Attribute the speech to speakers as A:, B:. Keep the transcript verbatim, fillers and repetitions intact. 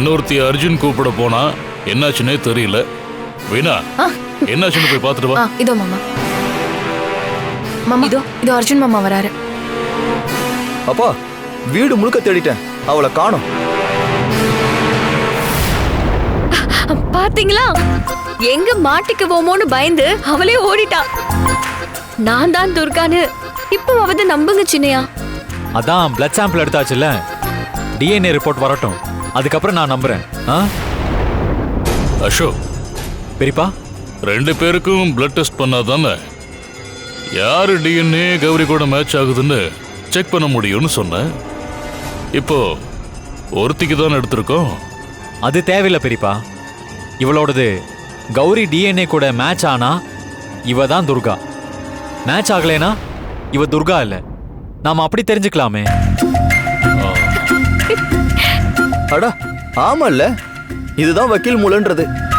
A: இன்னொருத்தி அர்ஜுன் கூப்பிட போனா என்னாச்சுன்னே தெரியல. வீணா என்னாச்சுன்னு போய் பார்த்துட்டு வா.
B: இதோ மாமா. மாமா இதோ இதோ அர்ஜுன் மாமா வராரு.
C: அப்பா வீடு முழுக்க தேடிட்டேன், அவளை காணோம்.
D: பாத்தீங்களா, எங்க மாட்டிக்குவோமோன்னு பயந்து அவளே ஓடிட்டா. நான் தான் துர்கான்னு இப்பவாவது நம்புங்க சின்னையா.
E: அதான் பிளட் சாம்பிள் எடுத்தாச்சுல்ல, டிஎன்ஏ ரிப்போர்ட் வரட்டும், அதுக்கப்புறம் நான் நம்புறேன்.
A: அசோக்
E: பெரியப்பா,
A: ரெண்டு பேருக்கும் பிளட் டெஸ்ட் பண்ணாதானே யாரு டிஎன்ஏ கௌரி கூட மேட்ச் ஆகுதுன்னு செக் பண்ண முடியும்னு சொன்னேன். இப்போ ஒருத்திக்கு தான் எடுத்திருக்கோம்.
E: அது தேவையில்லை பெரியப்பா. இவளோடது கௌரி டிஎன்ஏ கூட மேட்ச் ஆனா இவ தான் துர்கா, மேட்ச் ஆகலைனா இவ துர்கா இல்ல. நாம அப்படி தெரிஞ்சுக்கலாமே.
C: அடா ஆமா இல்ல, இதுதான் வக்கீல் மூலன்றது.